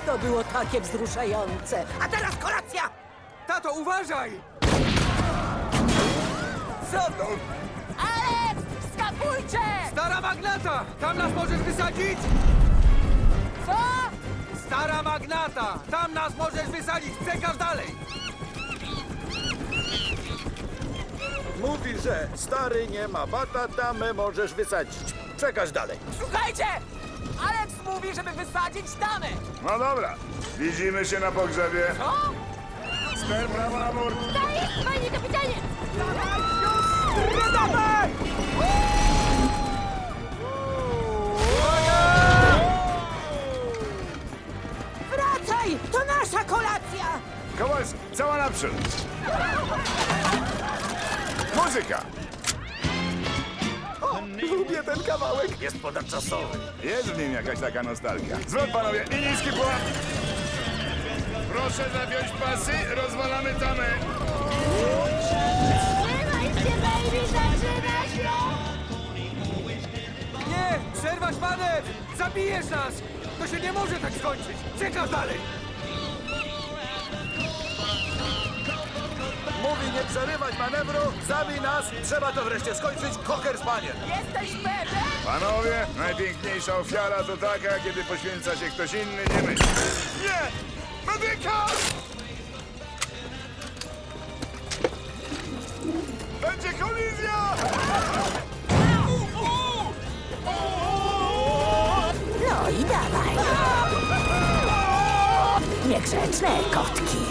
To było takie wzruszające. A teraz kolacja! Tato, uważaj! Co to? Alex, skapujcie! Stara magnata! Tam nas możesz wysadzić? Co? Stara magnata! Tam nas możesz wysadzić! Czekasz dalej! Mówi, że stary nie ma bata, tamę możesz wysadzić. Przekaż dalej. Słuchajcie! Alex mówi, żeby wysadzić tamę! No dobra, widzimy się na pogrzebie. Co? Ster prawo na mur. Daj, panie kapitanie! Dawaj! Wracaj! To nasza kolacja! Kowalski, cała naprzód. Muzyka. Lubię ten kawałek. Jest ponadczasowy. Jest w nim jakaś taka nostalgia. Zwrot, panowie, i niski pułap. Proszę zapiąć pasy, rozwalamy tamę. Trzymaj się, baby, zaczyna się! Nie! Przerwać manewr! Zabijesz nas! To się nie może tak skończyć! Czekasz dalej! Mówi nie przerywać manewru, zabij nas. Trzeba to wreszcie skończyć. Koker spaniel. Jesteś pewien? Panowie, najpiękniejsza ofiara to taka, kiedy poświęca się ktoś inny, nie my. Nie! Medyka! Będzie kolizja! No i dawaj. Niegrzeczne kotki.